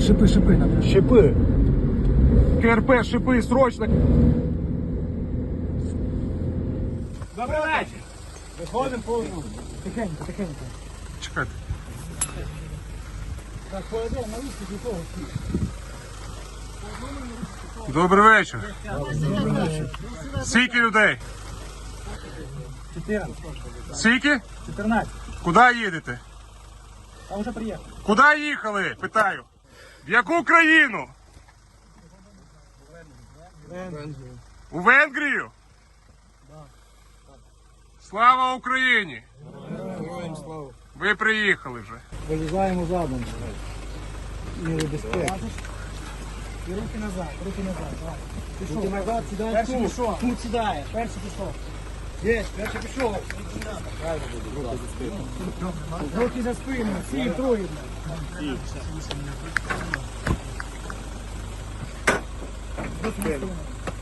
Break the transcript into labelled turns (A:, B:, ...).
A: Шипы надо.
B: Щепи. КРП, шипи, срочно.
A: Добрий вечір. Виходимо по одному. Тихенько.
B: Чекайте.
A: Так, по одному, на виступ до того.
B: Добрий вечір. Скільки людей?
A: 14.
B: Скільки?
A: 14.
B: Куди їдете?
A: А вже приїхав.
B: Куди їхали? Питаю. В яку країну? У Венгрію? Слава Україні!
A: Героям слава.
B: Ви приїхали вже.
A: Вилізаємо задом. Міри безпеки. І руки назад. Давай. Пішов. Руки назад, сідай. Перший пішов. Тут сідає. Перший пішов. Є, перший пішов. Руки за спину. Всі, троє. Руки за спину.